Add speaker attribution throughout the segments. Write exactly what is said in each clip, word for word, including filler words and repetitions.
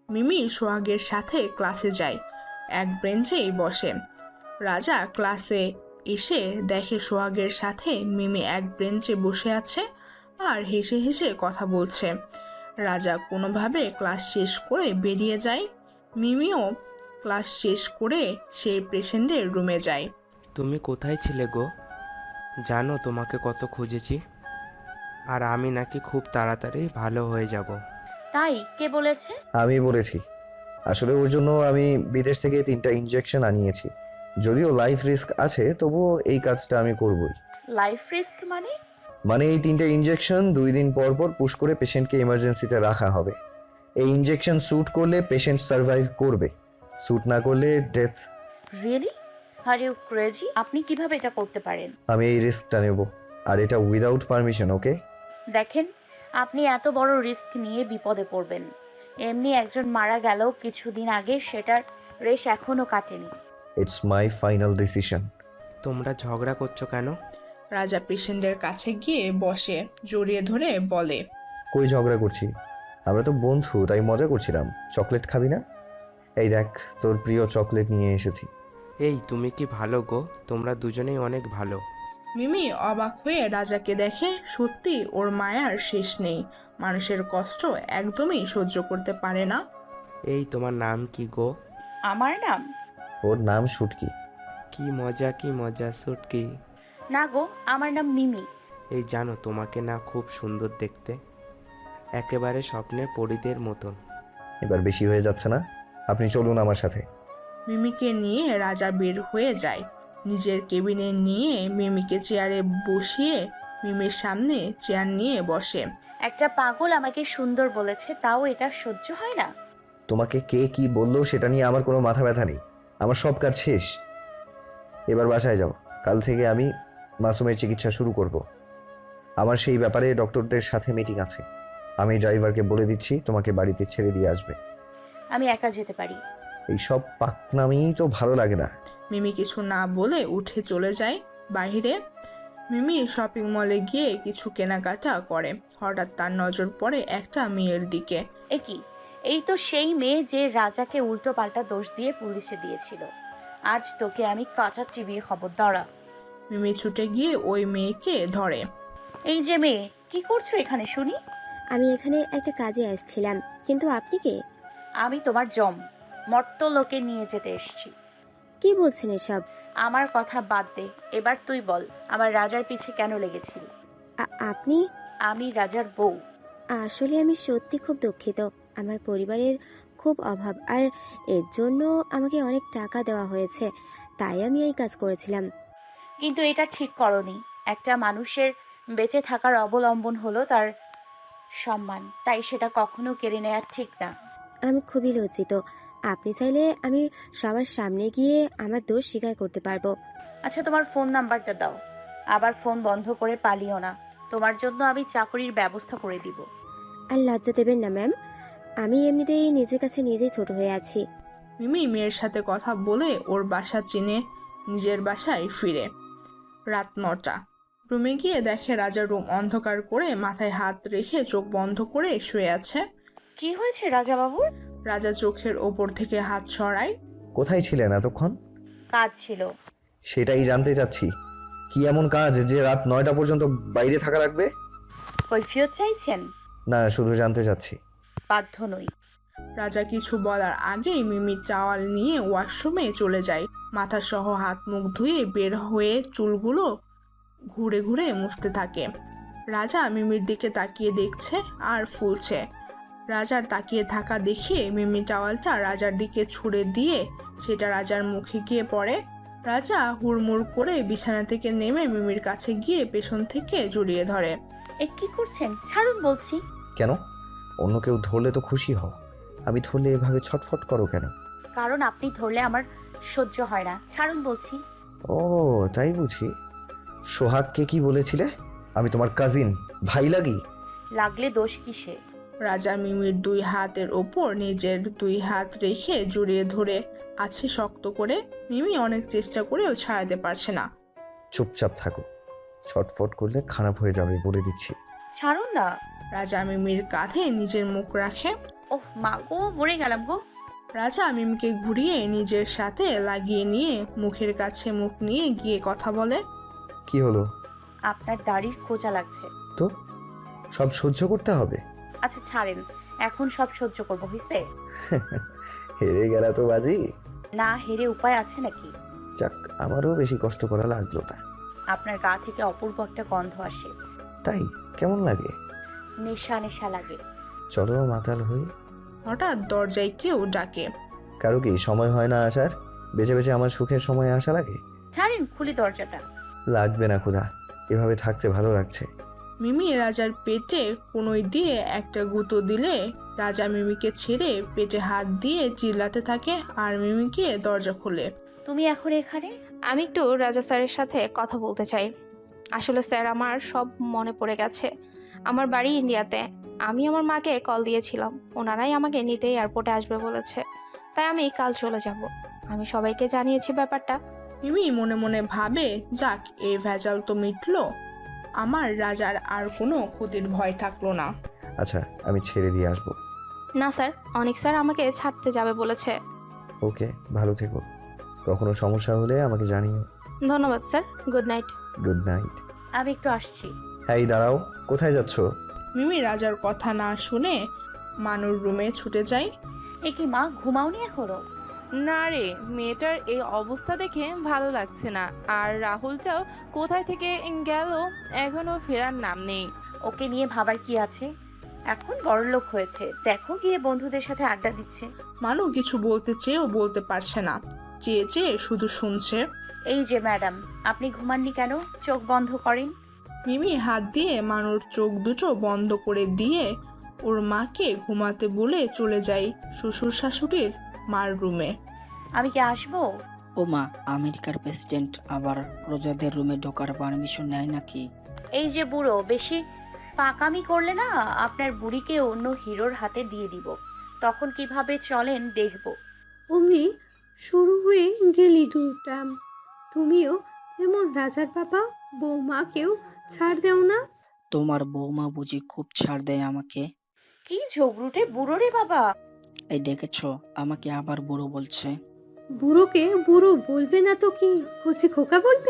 Speaker 1: মিমি সোহাগের সাথে ক্লাসে যায়, এক বেঞ্চেই বসে। রাজা ক্লাসে এসে দেখে সোহাগের সাথে মিমি এক বেঞ্চে বসে আছে আর হেসে হেসে কথা বলছে। রাজা কোনোভাবে ক্লাস শেষ করে বেরিয়ে যায়। মিমিও ক্লাস শেষ করে সেই পেশেন্টের রুমে যায়।
Speaker 2: তুমি কোথায় ছিলে গো? জানো তোমাকে কত খুঁজেছি, আর আমি নাকি খুব তাড়াতাড়ি ভালো হয়ে যাব।
Speaker 3: তাই? কে বলেছে?
Speaker 4: আমি বলেছি। আসলে ওর জন্য আমি বিদেশ থেকে তিনটা ইনজেকশন আনিয়েছি। যদিও লাইফ রিস্ক আছে, তবুও এই কাজটা আমি করবই।
Speaker 3: লাইফ রিস্ক মানে?
Speaker 4: মানে এই তিনটা ইনজেকশন দুই দিন পর পর পুশ করে পেশেন্টকে ইমার্জেন্সিতে রাখা হবে। এই ইনজেকশন স্যুট করলে পেশেন্ট সার্ভাইভ করবে, স্যুট না করলে death.
Speaker 3: Really? Are you crazy? আপনি কিভাবে এটা করতে পারেন?
Speaker 4: আমি এই রিস্কটা নেব, আর এটা উইদাউট পারমিশন, ওকে?
Speaker 3: দেখেন, আপনি এত বড় রিস্ক নিয়ে বিপদে পড়বেন। এমনি একজন মারা গেল কিছুদিন আগে, সেটার রেশ এখনো কাটেনি।
Speaker 4: It's my final decision.
Speaker 2: তোমরা ঝগড়া করছো কেন?
Speaker 1: রাজা পেশেন্টের কাছে গিয়ে বসে, জড়িয়ে ধরে বলে,
Speaker 4: কই ঝগড়া করছি? আমরা তো বন্ধু, তাই মজা করছিলাম। চকলেট খাবি না? এই দেখ, তোর প্রিয় চকলেট নিয়ে এসেছি।
Speaker 2: এই তুমি কি ভালো গো? তোমরা দুজনেই অনেক ভালো।
Speaker 1: মিমি অবাক হয়ে রাজাকে দেখে। সত্যি ওর মায়ার শেষ নেই, মানুষের কষ্ট একদমই সহ্য করতে পারে না।
Speaker 2: এই তোমার নাম কি গো?
Speaker 3: আমার নাম?
Speaker 4: ওর নাম শুটকি।
Speaker 2: কি মজা কি মজা সুটকি।
Speaker 3: না গো, আমার নাম মিমি।
Speaker 2: এই জানো, তোমাকে না খুব সুন্দর দেখতে, একেবারে স্বপ্নের পরীদের মতন।
Speaker 4: এবার বেশি হয়ে যাচ্ছে না? আপনি চলুন আমার সাথে।
Speaker 1: মিমিকে নিয়ে রাজা বের হয়ে যায়। নিজের কেবিনে নিয়ে মিমিকে চেয়ারে বসিয়ে মিমির সামনে চেয়ার নিয়ে বসে।
Speaker 3: একটা পাগল আমাকে সুন্দর বলেছে, তাও এটা সহ্য হয় না।
Speaker 4: তোমাকে কে কি বললো সেটা নিয়ে আমার কোনো মাথা ব্যথা নেই। আমার সব কাজ শেষ। এবার বাসায় যাও। কাল থেকে আমি মাসুমের চিকিৎসা শুরু করব। আমার সেই ব্যাপারে ডক্টরদের সাথে মিটিং আছে। আমি ড্রাইভারকে বলে দিচ্ছি তোমাকে বাড়িতে ছেড়ে দিয়ে আসবে।
Speaker 3: আমি একা যেতে পারি।
Speaker 4: এই সব পাকনামি তো ভালো লাগে না।
Speaker 1: মিমি কিছু না বলে উঠে চলে যায় বাইরে। মিমি শপিং মলে গিয়ে কিছু কেনাকাটা করে। হঠাৎ তার নজর পড়ে একটা মেয়ের দিকে।
Speaker 3: এ কি? এই তো সেই মেয়ে যে রাজাকে উল্টো পাল্টা দোষ দিয়ে পুলিশে দিয়েছিল। আজ তোকে আমি কাঁচা চিবিয়ে খবর দাঁড়া।
Speaker 1: মিমি ছুটে গিয়ে ওই মেয়েকে ধরে।
Speaker 3: এই যে মেয়ে, কি করছো এখানে শুনি?
Speaker 5: আমি এখানে একটা কাজে আসছিলাম, কিন্তু আপনি কে?
Speaker 3: আমি তোমার জম, মর্ত লোকে নিয়ে যেতে এসেছি।
Speaker 5: কি বলছেন এসব?
Speaker 3: আমার কথা বাদ দে, এবার তুই বল, আমার রাজার পিছে কেন লেগেছিলি?
Speaker 5: আ- আপনি?
Speaker 3: আমি রাজার বউ।
Speaker 5: আসলে আমি সত্যি খুব দুঃখিত। আমার পরিবারের খুব অভাব, আর এর জন্য আমাকে অনেক টাকা দেওয়া হয়েছে, তাই আমি এই কাজ করেছিলাম।
Speaker 3: কিন্তু এটা ঠিক করনি। একটা মানুষের বেঁচে থাকার অবলম্বন হলো তার সম্মান, তাই সেটা কখনো কেড়ে নেওয়া ঠিক না।
Speaker 5: আমি খুবই লজ্জিত। আপনি চাইলে আমি সবার সামনে গিয়ে আমার দোষ স্বীকার করতে পারবো।
Speaker 3: আচ্ছা, তোমার ফোন নাম্বারটা দাও। আবার ফোন বন্ধ করে পালিও না। তোমার জন্য আমি চাকরির ব্যবস্থা করে দিব।
Speaker 5: আর লজ্জা দেবেন না ম্যাম, আমি এমনিতেই নিজের কাছে নিজেই ছোট হয়ে আছি।
Speaker 1: মিমি মেয়ের সাথে কথা বলে ওর বাসা চিনে নিজের বাসায় ফিরে। রাত নটা। রুমে গিয়ে দেখে রাজা রুম অন্ধকার করে মাথায় হাত রেখে চোখ বন্ধ করে শুয়ে আছে।
Speaker 3: কি হয়েছে রাজা বাবুর?
Speaker 1: রাজা চোখের ওপর থেকে হাত সরায়।
Speaker 4: কোথায় ছিলেন এতক্ষণ?
Speaker 3: কাজ ছিল।
Speaker 4: সেটাই জানতে চাচ্ছি। কি এমন কাজ যে রাত নয়টা পর্যন্ত বাইরে থাকা লাগবে?
Speaker 3: কৈফিয়ত চাইছেন?
Speaker 4: না, শুধু জানতে চাচ্ছি।
Speaker 3: বাধ্য নই।
Speaker 1: রাজা কিছু বলার আগেই মিমি টাওয়াল নিয়ে ওয়াশরুমে চলে যায়। মাথা সহ হাত মুখ ধুয়ে বের হয়ে চুলগুলো ঘুরে ঘুরে মুছতে থাকে। রাজা মিমির দিকে তাকিয়ে দেখছে আর ফুলছে। রাজার তাকিয়ে থাকা দেখে মিমি টাওয়ালটা রাজার দিকে ছুঁড়ে দিয়ে সেটা রাজার মুখে গিয়ে পড়ে। রাজা হুড়মুড় করে বিছানা থেকে নেমে মিমির কাছে গিয়ে পেছন থেকে জড়িয়ে ধরে।
Speaker 3: এ কি করছেন? ছাড়ুন বলছি।
Speaker 4: কেন? অন্য কেউ ধরলে তো খুশি হও, আমি ধরলে এভাবে ছটফট করো কেন?
Speaker 3: কারণ আপনি ধরলে আমার সহ্য হয় না। ছাড়ুন বলছি।
Speaker 4: ও তাই বুঝি। সোহাগকে কি বলেছিলে? আমি তোমার কাজিন, ভাই লাগি?
Speaker 3: লাগলে দোষ কিসে?
Speaker 1: রাজা মিমির দুই হাতের ওপর নিজের দুই হাত রেখে জড়িয়ে ধরে আছে শক্ত করে। মিমি অনেক চেষ্টা করেও ছাড়াতে পারছে না।
Speaker 4: চুপচাপ থাকো, ছটফট করলে খারাপ হয়ে যাবে বলে দিচ্ছি।
Speaker 3: ছাড়ুন না।
Speaker 1: রাজা মিমির কাঁধে নিজের মুখ রাখে।
Speaker 3: ওহ মা গো, মরে গেলাম গো।
Speaker 1: রাজা মিমিকে ঘুরিয়ে নিজের সাথে লাগিয়ে নিয়ে মুখের কাছে মুখ নিয়ে গিয়ে কথা বলে।
Speaker 4: কি হলো?
Speaker 3: আপনার দাড়ির খোঁচা লাগছে।
Speaker 4: তো সব সহ্য করতে হবে?
Speaker 3: আচ্ছা ছাড়েন, এখন সব সহ্য করবো, হইছে?
Speaker 4: হেরে গেলা তো বাজি।
Speaker 3: না হেরে উপায় আছে নাকি?
Speaker 4: যাক, আমারও বেশি কষ্ট করা লাগলো না।
Speaker 3: আপনার গা থেকে অপূর্ব একটা গন্ধ আসে।
Speaker 4: তাই? কেমন লাগে?
Speaker 3: নেশা নেশা লাগে।
Speaker 4: চলো মাতাল হই।
Speaker 1: হঠাৎ দরজায় কেউ ডাকে।
Speaker 4: কারো কি সময় হয় না আসার? বেঁচে বেঁচে আমার সুখের সময় আসা লাগে?
Speaker 3: ছাড়েন, খুলি দরজাটা।
Speaker 4: লাগবে না ক্ষুধা, এভাবে থাকতে ভালো লাগছে।
Speaker 1: মিমি রাজার পেটে কোনোই দিয়ে একটা গুঁতো দিলে রাজা মিমিকে ছেড়ে পেটে হাত দিয়ে চিল্লাতে থাকে আর মিমিকে দরজা খোলে।
Speaker 3: তুমি এখন এখানে?
Speaker 6: আমি একটু রাজা স্যারের সাথে কথা বলতে চাই। আসলে স্যার, আমার সব মনে পড়ে গেছে। আমার বাড়ি ইন্ডিয়াতে। আমি আমার মাকে কল দিয়েছিলাম, ওনারাই আমাকে নিতে এয়ারপোর্টে আসবে বলেছে, তাই আমি কাল চলে যাব। আমি সবাইকে জানিয়েছি ব্যাপারটা।
Speaker 1: মিমি মনে মনে ভাবে, যাক এই ভেজাল তো মিটলো, আমার রাজার আর কোনো ক্ষতির ভয় থাকলো না।
Speaker 4: আচ্ছা, আমি ছেড়ে দিয়ে আসবো।
Speaker 6: না স্যার, অনেক স্যার আমাকে ছাড়তে যাবে বলেছে।
Speaker 4: ওকে, ভালো থেকো। কখনো সমস্যা হলে আমাকে জানিও।
Speaker 6: ধন্যবাদ sir, good night.
Speaker 4: Good night.
Speaker 3: আমি একটু আসছি।
Speaker 4: হ্যাঁ, দাঁড়াও, কোথায় যাচ্ছ?
Speaker 1: মিমি রাজার কথা না শুনে মানুর রুমে ছুটে যায়।
Speaker 3: এ কি মা, ঘুমাওনি এখনো?
Speaker 7: না রে, মেয়েটার এই অবস্থা দেখে ভালো লাগছে না। আর রাহুলটাও কোথায় থেকে গেল, এখনো ফেরার নাম নেই।
Speaker 3: ওকে নিয়ে ভাবার কি আছে? এখন বড়লোক হয়েছে, দেখো গিয়ে বন্ধুদের সাথে আড্ডা দিচ্ছে।
Speaker 1: মানু কিছু বলতে চেয়েও বলতে পারছে না, চেয়ে চেয়ে শুধু শুনছে।
Speaker 3: এই যে ম্যাডাম, আপনি ঘুমাননি কেন? চোখ বন্ধ করেন।
Speaker 1: মিমি হাত দিয়ে মানুর চোখ দুটো বন্ধ করে দিয়ে ওর মাকে ঘুমাতে বলে চলে যায় শ্বশুর শাশুড়ির মার রুমে।
Speaker 3: আমি কি আসবো?
Speaker 8: ও মা, আমেরিকার প্রেসিডেন্ট আবার প্রজাদের রুমে ঢোকার পারমিশন নেয় নাকি?
Speaker 3: এই যে বুড়ো, বেশি পাকামি করলে না আপনার বুড়িকে অন্য হিরোর হাতে দিয়ে দিব, তখন কিভাবে চলেন দেখবো।
Speaker 9: অমনি শুরু হয়ে গেলি দুটাম। তুমিও যেমন রাজার বাবা বৌমাকেও ছাড় দেও না।
Speaker 8: তোমার বৌমা বুঝি খুব ছাড় দেয় আমাকে?
Speaker 3: কি ঝগড়ুটে বুড়ো রে বাবা!
Speaker 8: এই দেখেছো, আমাকে আবার বুড়ো বলছে।
Speaker 9: বুড়োকে বুড়ো বলবে না তো কি কচি খোকা বলবে?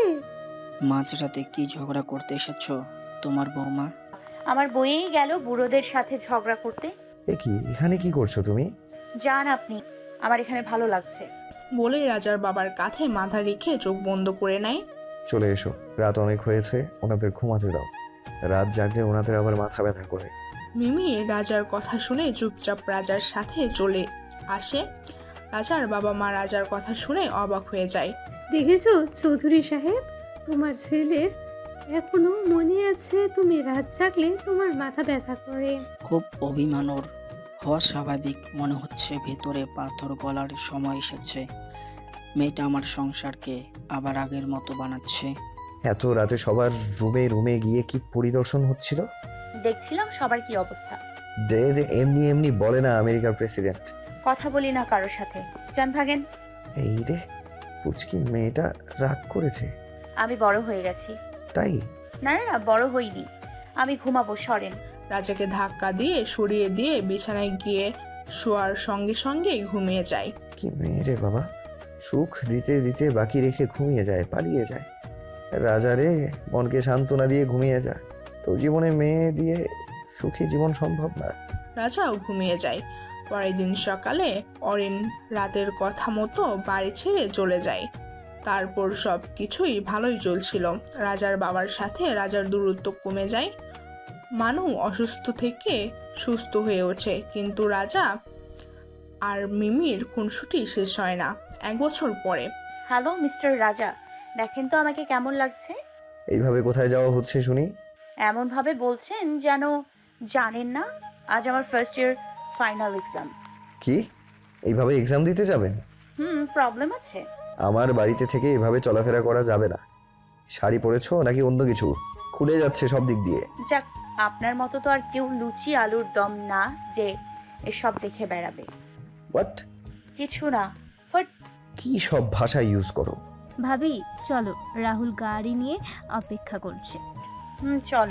Speaker 8: মাঝরাতে কি ঝগড়া করতে এসেছো তোমার বৌমা?
Speaker 3: আমার বইয়েই গেল বুড়োদের সাথে ঝগড়া করতে।
Speaker 4: এ কি, এখানে কি করছো তুমি?
Speaker 3: যান আপনি, আমার এখানে ভালো লাগছে।
Speaker 1: বলে রাজার বাবার কাঁধে মাথা রেখে চোখ বন্ধ করে নেয়।
Speaker 4: চলে এসো, রাত অনেক হয়েছে, ওনাদের ঘুমাতে দাও। রাত জাগলে ওনাদের আবার মাথা ব্যথা করে।
Speaker 1: মিমি রাজার কথা শুনে চুপচাপ রাজার সাথে চলে আসে। রাজার বাবা মা রাজার কথা শুনে অবাক হয়ে যায়।
Speaker 9: দেখেছো চৌধুরী সাহেব, তোমার ছেলের এখনো মনে আছে তুমি রাত জাগলে তোমার মাথা ব্যথা করে।
Speaker 8: খুব অভিমানর হওয়া স্বাভাবিক। মনে হচ্ছে ভেতরে পাথর গলার সময় এসেছে। মেয়েটা আমার সংসারকে আবার আগের মতো বানাচ্ছে।
Speaker 4: এত রাতে সবার রুমে রুমে গিয়ে কি পরিদর্শন হচ্ছিল?
Speaker 3: দেখছিলাম সবার কি অবস্থা।
Speaker 4: যে যে এমনি এমনি বলে না আমেরিকার প্রেসিডেন্ট।
Speaker 3: কথা বলি না কারোর সাথে, যান ভাগেন।
Speaker 4: এই রে, পুচকি মেয়েটা রাগ করেছে।
Speaker 3: আমি বড় হয়ে গেছি।
Speaker 4: তাই?
Speaker 3: না না না, বড় হইনি। আমি ঘুমাবো, সরেন।
Speaker 1: রাজাকে ধাক্কা দিয়ে সরিয়ে দিয়ে বিছানায় গিয়ে শোয়ার সঙ্গে সঙ্গে ঘুমিয়ে যায়।
Speaker 4: কি মেয়ে রে বাবা, সুখ দিতে দিতে বাকি রেখে ঘুমিয়ে যায়, পালিয়ে যায়। রাজা রে, মনকে সান্ত্বনা দিয়ে ঘুমিয়ে যা। তোর জীবনে মেয়ে দিয়ে সুখী জীবন সম্ভব না।
Speaker 1: রাজাও ঘুমিয়ে যায়। পরের দিন সকালে অরিন রাতের কথা মতো বাড়ি ছেড়ে চলে যায়। তারপর সব কিছুই ভালোই চলছিল। রাজার বাবার সাথে রাজার দূরত্ব কমে যায়। মানু অসুস্থ থেকে সুস্থ হয়ে ওঠে, কিন্তু রাজা আর মিমির খুনসুটি শেষ হয় না। এক বছর পরে।
Speaker 3: হ্যালো মিস্টার রাজা, দেখেন তো আমাকে কেমন লাগছে।
Speaker 4: এইভাবে কোথায় যাওয়া হচ্ছে শুনি?
Speaker 3: এমন ভাবে বলছেন যেন জানেন না আজ আমার ফার্স্ট ইয়ার ফাইনাল এক্সাম।
Speaker 4: কি, এইভাবে এক্সাম দিতে যাবেন?
Speaker 3: হুম, প্রবলেম আছে?
Speaker 4: আমার বাড়িতে থেকে এভাবে চলাফেরা করা যাবে না। শাড়ি পরেছো নাকি অন্য কিছু? খুলে যাচ্ছে সব দিক দিয়ে।
Speaker 3: যাক, আপনার মতো তো আর কেউ লুচি আলুর দম না যে এসব দেখে বেড়াবে।
Speaker 4: হোয়াট?
Speaker 3: কিছু না, বাট
Speaker 4: কি সব ভাষা ইউজ করো?
Speaker 10: ভাবি চলো, রাহুল গাড়ি নিয়ে অপেক্ষা করছে।
Speaker 3: হুম চলো।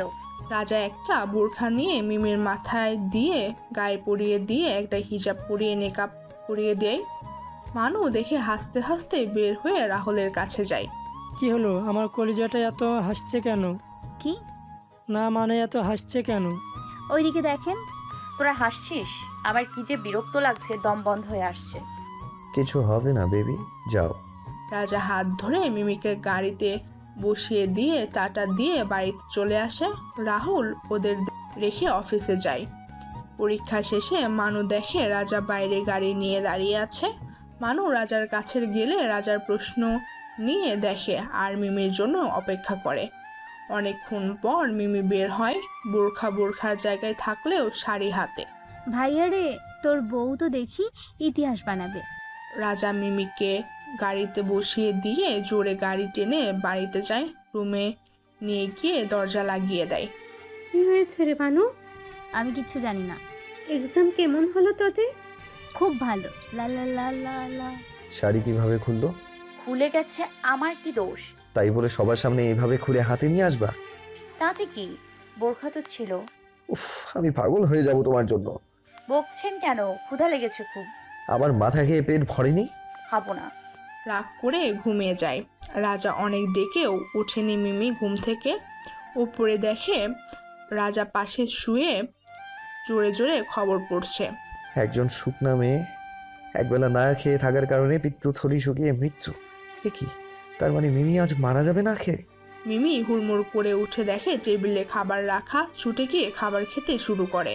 Speaker 1: রাজা একটা বোরখা নিয়ে মিমির মাথায় দিয়ে গায়ে পরিয়ে দিয়ে একটা হিজাব পরিয়ে নেকাব পরিয়ে দেয়। মানু দেখে হাসতে হাসতে বের হয়ে রাহুলের কাছে যায়।
Speaker 10: কি হলো, আমার কলিজাটা এত হাসছে কেন?
Speaker 11: কি?
Speaker 10: না মানে এত হাসছে কেন?
Speaker 11: ওইদিকে দেখেন।
Speaker 3: তোরা হাসছিস? আমার কি যে বিরক্ত লাগছে, দম বন্ধ হয়ে আসছে।
Speaker 4: কিছু হবে না বেবি, যাও।
Speaker 1: রাজা হাত ধরে মিমিকে গাড়িতে বসিয়ে দিয়ে টাটা দিয়ে বাড়িতে চলে আসে। রাহুল ওদের রেখে অফিসে যায়। পরীক্ষা শেষে মানু দেখে রাজা বাইরে গাড়ি নিয়ে দাঁড়িয়ে আছে। মানু রাজার কাছে গেলে রাজার প্রশ্ন নিয়ে দেখে আর মিমির জন্য অপেক্ষা করে। অনেকক্ষণ পর মিমি বের হয়, বোরখা বোরখার জায়গায় থাকলেও শাড়ি হাতে।
Speaker 11: ভাইয়া রে, তোর বউ তো দেখি ইতিহাস বানাবে।
Speaker 1: রাজা মিমিকে গাড়িতে বসিয়ে দিয়ে জোরে গাড়ি টেনে বাড়িতে যায়। রুমে নিয়ে গিয়ে দরজা লাগিয়ে দেয়।
Speaker 9: কি হয়েছে রে বানু?
Speaker 11: আমি কিচ্ছু জানি না।
Speaker 9: এক্সাম কেমন হলো তোদের?
Speaker 11: খুব ভালো। লা লা লা লা লা।
Speaker 4: শাড়ি কিভাবে খুললো?
Speaker 3: খুলে গেছে, আমার কি দোষ?
Speaker 4: তাই বলে সবার সামনে এইভাবে খুলে হাতে নিয়ে আসবা?
Speaker 3: তাতে কি, বোরখা তো ছিল।
Speaker 4: উফ, আমি পাগল হয়ে যাব তোমার জন্য।
Speaker 3: বকছেন কেন? ক্ষুধা লেগেছে খুব।
Speaker 4: আমার মাথা খেয়ে পেট ভরেনি?
Speaker 3: খাবো না।
Speaker 1: রাগ করে ঘুমিয়ে যায়। রাজা অনেক ডেকেও ওঠেনি মিমি ঘুম থেকে। উপরে দেখে রাজা পাশে শুয়ে জোরে জোরে খবর পড়ছে।
Speaker 4: একজন শুকনা মেয়ে একবেলা না খেয়ে থাকার কারণে পিত্তথলি শুকিয়ে মৃত্যু। এ কি, তার মানে মিমি আজ মারা যাবে না খেয়ে?
Speaker 1: মিমি হুড়মুড় করে উঠে দেখে টেবিলে খাবার রাখা, ছুটে গিয়ে খাবার খেতে শুরু করে।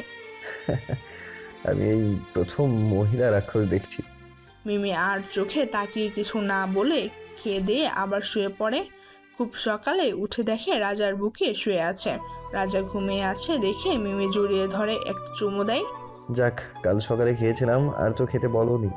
Speaker 4: আমি এই প্রথম মহিলা রাক্ষস দেখছি।
Speaker 1: মিমি আর চোখে তাকিয়ে কিছু না বলে খেয়ে দিয়ে আবার শুয়ে পড়ে। খুব সকালে উঠে দেখে রাজার বুকে শুয়ে আছে। রাজা ঘুমিয়ে আছে দেখে মিমি জড়িয়ে ধরে একটা চুমু দেয়।
Speaker 4: যাক, কাল সকালে খেয়েছিলাম আর তো খেতে বলোনি,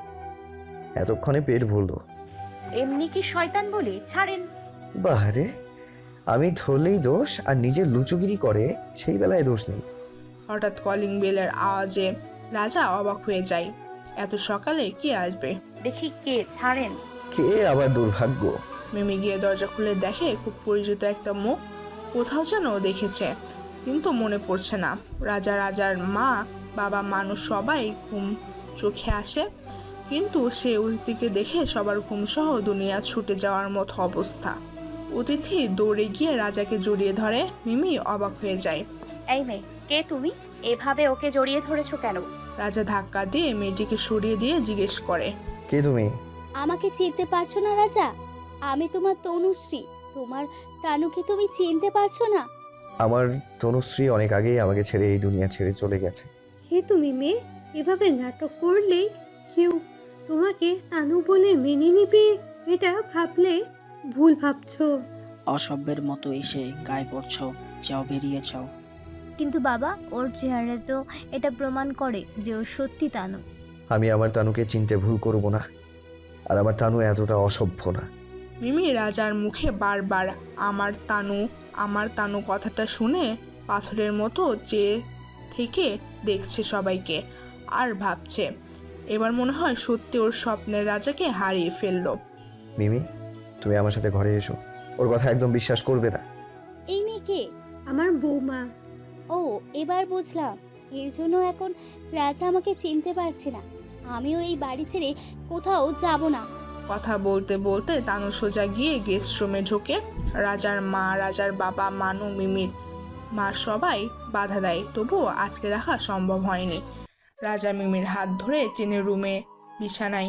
Speaker 4: এতক্ষণে পেট ভরলো।
Speaker 3: এমনি কি শয়তান বলি, ছাড়েন।
Speaker 4: বাহারে, আমি ধরলেই দোষ আর নিজের লুচুগিরি করে সেই বেলায় দোষ নেই।
Speaker 1: হঠাৎ কলিং বেলের আওয়াজে রাজা অবাক হয়ে যায়। এত সকালে কে আসবে?
Speaker 3: দেখি কে, ছাড়েন।
Speaker 4: কে আবার দুর্ভাগ্য?
Speaker 1: মিমি গিয়ে দরজা খুলে দেখে খুব পরিচিত একটা মুখ। কোথাও যেন দেখেছে, কিন্তু মনে পড়ছে না। রাজা, রাজার মা, বাবা, মানুষ সবাই ঘুম চোখে আসে, কিন্তু সে অতিথিকে দেখে সবার ঘুমসহ দুনিয়া ছুটে যাওয়ার মতো অবস্থা। অতিথি দৌড়ে গিয়ে রাজাকে জড়িয়ে ধরে। মিমি অবাক হয়ে যায়।
Speaker 3: এই মেয়ে, কে তুমি? এভাবে ওকে জড়িয়ে ধরেছো কেন?
Speaker 1: রাজা ধাক্কা দিয়ে মেয়েটিকে সরিয়ে দিয়ে জিজ্ঞেস করে,
Speaker 4: কে তুমি?
Speaker 12: আমাকে চিনতে পারছো না রাজা? আমি তোমার তনুশ্রী। তোমার তানুকে তুমি চিনতে পারছো না?
Speaker 4: আমার তনুশ্রী অনেক আগেই আমাকে ছেড়ে এই দুনিয়া ছেড়ে চলে গেছে।
Speaker 9: হে তুমি মেয়ে, এভাবে নাটক করলে কেউ তোমাকে তানু বলে মেনে নিবে, এটা ভাবলে ভুল ভাবছো।
Speaker 8: অসভ্যের মতো এসে গায়ে পড়ছো, যাও বেরিয়ে যাও।
Speaker 11: কিন্তু বাবা, ওর চেহারা তো এটা প্রমাণ করে যে ও সত্যি তানু।
Speaker 4: আমি আমার তানুকে চিনতে ভুল করব না, আর আমার তানু এতটা অসভ্য না।
Speaker 1: মিমি রাজার মুখে বারবার আমার তানু আমার তানু কথাটা শুনে পাথরের মতো চেয়ে থেকে দেখছে সবাইকে আর ভাবছে, এবার মনে হয় সত্যি ওর স্বপ্নের রাজাকে হারিয়ে ফেললো।
Speaker 4: মিমি, তুমি আমার সাথে ঘরে এসো, ওর কথা একদম বিশ্বাস করবে না।
Speaker 12: এই মেয়েকে?
Speaker 9: আমার বৌমা।
Speaker 12: ও, এবার বুঝলাম এর জন্য এখন রাজা আমাকে চিনতে পারছে না। আমিও এই বাড়ি ছেড়ে কোথাও যাব না।
Speaker 1: কথা বলতে বলতে তানু সোজা গিয়ে গেস্ট রুমে ঢোকে। রাজার মা, রাজার বাবা, মানু, মিমির মা সবাই বাধা দেয়, তবুও আটকে রাখা সম্ভব হয়নি। রাজা মিমির হাত ধরে টেনে রুমে বিছানায়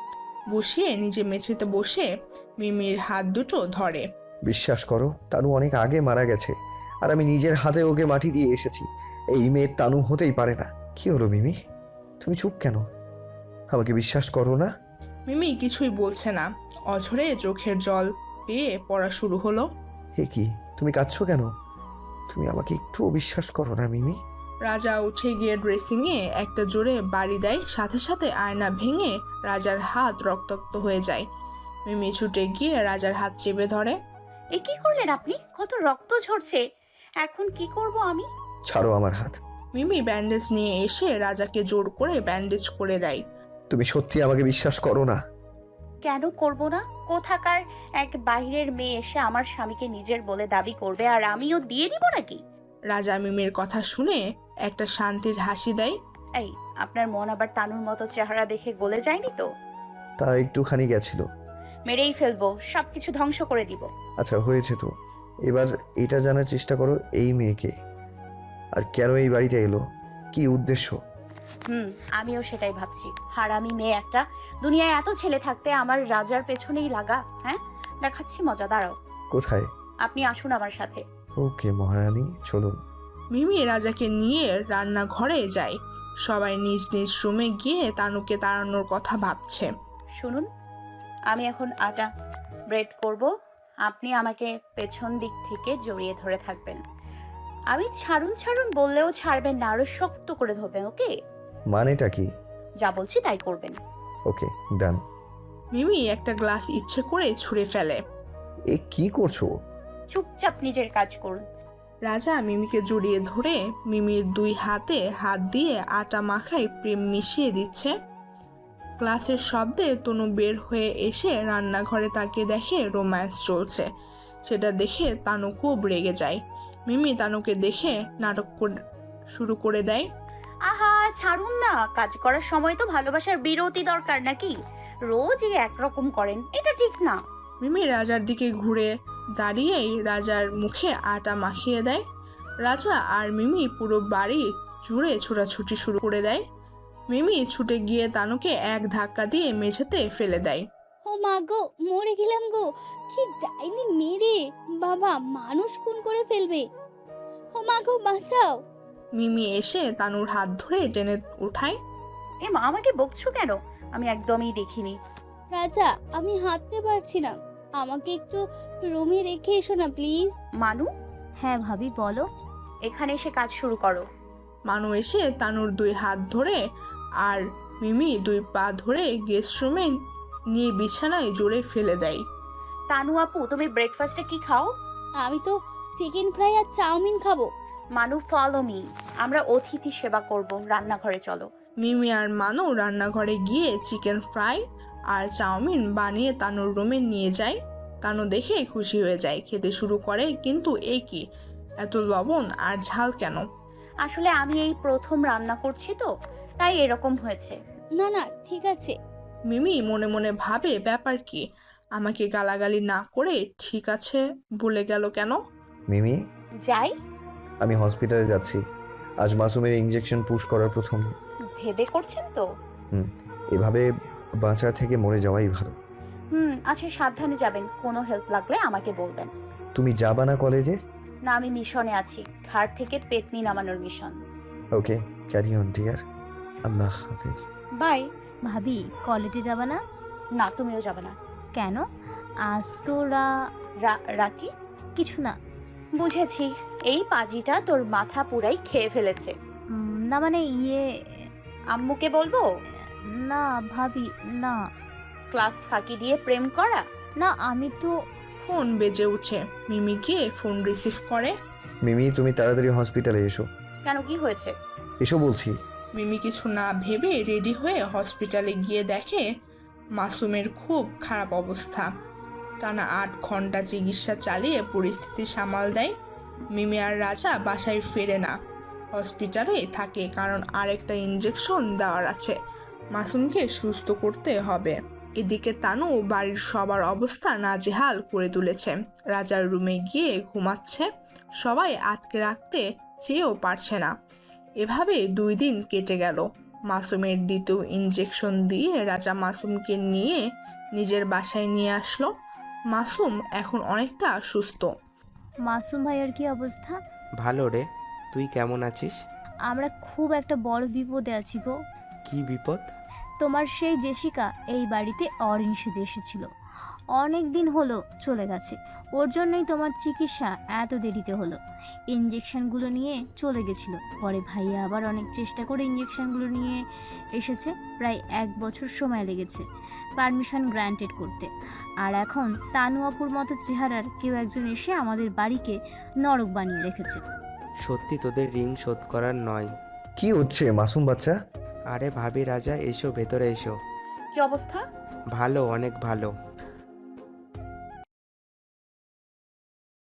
Speaker 1: বসিয়ে নিজে মেঝেতে বসে মিমির হাত দুটো ধরে।
Speaker 4: বিশ্বাস করো, তানু অনেক আগে মারা গেছে, আর আমি নিজের হাতে ওকে মাটি দিয়ে এসেছি। এই মেয়ের তানু হতেই পারে না। কি হলো মিমি, তুমি চুপ কেন? আমাকে বিশ্বাস করো না?
Speaker 1: মিমি কিছুই বলছে না। অঝরে চোখের জল পেয়ে পড়া শুরু হলো।
Speaker 4: হে কি, তুমি কাঁদছো কেন? তুমি আমাকে একটুও বিশ্বাস করো না মিমি?
Speaker 1: রাজা উঠে গিয়ে ড্রেসিংয়ে একটা জোরে বাড়ি দেয়, সাথে সাথে আয়না ভেঙে রাজার হাত রক্তাক্ত হয়ে যায়। মিমি ছুটে গিয়ে রাজার হাত চেপে ধরে।
Speaker 3: এ কি করলেন আপনি? কত রক্ত ঝরছে, এখন কি করব আমি?
Speaker 4: ছাড়ো আমার হাত।
Speaker 1: মিমি ব্যান্ডেজ নিয়ে এসে রাজাকে জোর করে ব্যান্ডেজ করে দেয়।
Speaker 4: তুমি সত্যি আমাকে বিশ্বাস করো না?
Speaker 3: কেন করব না? কোথাকার এক বাইরের মেয়ে এসে আমার স্বামীকে নিজের বলে দাবি করবে আর আমিও দিয়ে দিব নাকি?
Speaker 1: রাজা মিমির কথা শুনে একটা শান্তির হাসি দেয়।
Speaker 3: এই, আপনার মন আবার তানুর মতো চেহারা দেখে গলে যায়নি তো?
Speaker 4: তা একটুখানি গেছিল।
Speaker 3: মেরেই ফেলবো, সবকিছু ধ্বংস করে দিব।
Speaker 4: আচ্ছা হয়েছে তো, এবার এটা জানার চেষ্টা করো এই মেয়েকে, আর কেন এই বাড়িতে এলো, কি উদ্দেশ্য?
Speaker 3: হুম, আমিও সেটাই ভাবছি। হারামি মেয়ে একটা, দুনিয়ায় এত ছেলে থাকতে আমার রাজার পেছনেই লাগা। হ্যাঁ, দেখাচ্ছি মজা, দাঁড়াও।
Speaker 4: কোথায়?
Speaker 3: আপনি আসুন আমার সাথে।
Speaker 4: ওকে মহারানী, চলুন।
Speaker 1: মিমি রাজাকে নিয়ে রান্নাঘরে যায়। সবাই নিজ নিজ রুমে গিয়ে তানুকে তাড়ানোর কথা ভাবছে।
Speaker 3: শুনুন, আমি এখন আটা ব্রেড করব। আপনি আমাকে পেছন দিক থেকে জড়িয়ে ধরে থাকবেন। আমি ছাড়ুন ছাড়ুন বললেও ছাড়বেন না, আরো শক্ত করে ধরবেন। ওকে?
Speaker 4: মানেটা কি?
Speaker 3: যা বলছি তাই করবেন।
Speaker 4: ওকে ডান।
Speaker 1: মিমি একটা গ্লাস ইচ্ছে করে ছুঁড়ে ফেলে।
Speaker 4: এ কি করছো?
Speaker 3: চুপচাপ নিজের কাজ করুন।
Speaker 1: রাজা মিমিকে জড়িয়ে ধরে মিমির দুই হাতে হাত দিয়ে আটা মাখায় প্রেম মিশিয়ে দিচ্ছে। গ্লাসের শব্দে তনু বের হয়ে এসে রান্নাঘরে তাকে দেখে রোম্যান্স চলছে। সেটা দেখে তানু খুব রেগে যায়। মিমি তানুকে দেখে নাটক কর- শুরু করে দেয়।
Speaker 3: আহা, ছাড়ুন না, কাজ করার সময় তো ভালোবাসার বিরতি দরকার নাকি? রোজই একরকম করেন, এটা ঠিক না।
Speaker 1: মিমি রাজার দিকে ঘুরে দাঁড়িয়েই রাজার মুখে আটা মাখিয়ে দেয়। রাজা আর মিমি পুরো বাড়ি জুড়ে ছোটাছুটি শুরু করে দেয়। মিমি ছুটে গিয়ে তানুকে এক ধাক্কা দিয়ে মেঝেতে ফেলে দেয়।
Speaker 12: ও মা গো, মরে গেলাম গো, কি ডাইনি মেরে বাবা মানুষ খুন করে ফেলবে। ও মা গো, বাঁচাও।
Speaker 1: মিমি এসে তানুর হাত ধরে টেনে উঠায়।
Speaker 3: এ মা, আমাকে বকছো কেন? আমি একদমই দেখিনি।
Speaker 12: রাজা, আমি হাঁটতে পারছি না, আমাকে একটু রুমে রেখে এসো না প্লিজ।
Speaker 3: মানু,
Speaker 11: হ্যাঁ ভাবি বলো।
Speaker 3: এখানে এসে কাজ শুরু করো।
Speaker 1: মানু এসে তানুর দুই হাত ধরে আর মিমি দুই পা ধরে গেস্ট রুমে নিয়ে বিছানায় জোরে ফেলে দেয়।
Speaker 3: তানু আপু, তুমি ব্রেকফাস্টে কি খাও?
Speaker 12: আমি তো চিকেন ফ্রাই আর চাউমিন খাবো।
Speaker 3: মানু, ফলো মি, আমরা অতিথি সেবা করব। রান্নাঘরে চলো।
Speaker 1: মিমি আর মানু রান্নাঘরে গিয়ে চিকেন ফ্রাই আর চাউমিন বানিয়ে তানুর রুমে নিয়ে যায়। তানু দেখে খুশি হয়ে যায়, খেতে শুরু করে। কিন্তু এ কি, এত লবণ আর ঝাল কেন?
Speaker 3: আসলে আমি এই প্রথম রান্না করছি তো, তাই এরকম হয়েছে।
Speaker 12: না না, ঠিক আছে।
Speaker 1: মিমি মনে মনে ভাবে, ব্যাপার কি, আমাকে গালাগালি না করে ঠিক আছে বলে গেল কেন?
Speaker 4: মিমি,
Speaker 3: যাই।
Speaker 4: আমি হসপিটালে যাচ্ছি। আজ মাসুমের ইঞ্জেকশন পুশ করার প্রথম দিন।
Speaker 3: ভেবে করছেন তো?
Speaker 4: হুম, এভাবে বাঁচার থেকে মরে যাওয়াই ভালো।
Speaker 3: হুম, আচ্ছা সাবধানে যাবেন। কোনো হেল্প লাগলে আমাকে বলবেন।
Speaker 4: তুমি যাবা না কলেজে?
Speaker 3: না, আমি মিশনে আছি, ঘাট থেকে পেতনি নামানোর mission.
Speaker 4: Okay, carry on dear. আল্লাহ হাফেজ।
Speaker 3: বাই।
Speaker 11: ভাবি কলেজে যাবা না?
Speaker 3: না, তুমিও যাবে না।
Speaker 11: কেন? আজ তো রা
Speaker 3: রা- রাকি,
Speaker 11: কিছু না।
Speaker 3: বুঝেছি, এই পাজিটা তোর মাথা পুরাই খেয়ে ফেলেছে।
Speaker 11: উম, না মানে ইয়ে,
Speaker 3: আম্মুকে বলবো?
Speaker 11: না ভাবি না।
Speaker 3: ক্লাস ফাঁকি দিয়ে প্রেম করা?
Speaker 11: না আমি তো।
Speaker 1: ফোন বেজে উঠে। মিমি গিয়ে ফোন রিসিভ করে।
Speaker 4: মিমি, তুমি তাড়াতাড়ি হসপিটালে এসো।
Speaker 3: কেন, কি হয়েছে?
Speaker 4: এসো বলছি।
Speaker 1: মিমি কিছু না ভেবে রেডি হয়ে হসপিটালে গিয়ে দেখে মাসুমের খুব খারাপ অবস্থা। টানা আট ঘন্টা চিকিৎসা চালিয়ে পরিস্থিতি সামাল দেয়। মিমি আর রাজা বাসায় ফেরে না, হসপিটালে থাকে, কারণ আরেকটা ইঞ্জেকশন দেওয়ার আছে। মাসুমকে সুস্থ করতে হবে। এদিকে তানু বাড়ির সবার অবস্থা নাজেহাল করে তুলেছে। রাজার রুমে গিয়ে ঘুমাচ্ছে, সবাই আটকে রাখতে চেয়েও পারছে না। এভাবে দুই দিন কেটে গেল। মাসুমের দ্বিতীয় ইঞ্জেকশন দিয়ে রাজা মাসুমকে নিয়ে নিজের বাসায় নিয়ে আসলো। মাসুম এখন অনেকটা সুস্থ।
Speaker 11: মাসুম ভাইয়ের কি অবস্থা?
Speaker 2: ভালো রে, তুই কেমন আছিস?
Speaker 11: আমরা খুব একটা বড় বিপদে আছি গো।
Speaker 2: কি বিপদ?
Speaker 11: তোমার সেই জেসিকা এই বাড়িতে অরিন সেজে এসেছিল, অনেক দিন হলো চলে গেছে। ওর জন্যই তোমার চিকিৎসা এত দেরিতে হলো। ইঞ্জেকশনগুলো নিয়ে চলে গেছিল, পরে ভাইয়া আবার অনেক চেষ্টা করে ইঞ্জেকশনগুলো নিয়ে এসেছে। প্রায় এক বছর সময় লেগেছে পারমিশন গ্র্যান্টেড করতে। আর এখন তানু আপুর মতো চেহারার কেউ একজন এসে আমাদের বাড়িকে নরক বানিয়ে রেখেছে।
Speaker 2: সত্যি তোদের ঋণ শোধ করার নয়।
Speaker 4: কি হচ্ছে মাসুম বাচ্চা?
Speaker 2: আরে ভাবি, রাজা এসো, ভেতরে এসো।
Speaker 3: কি অবস্থা?
Speaker 2: ভালো, অনেক ভালো।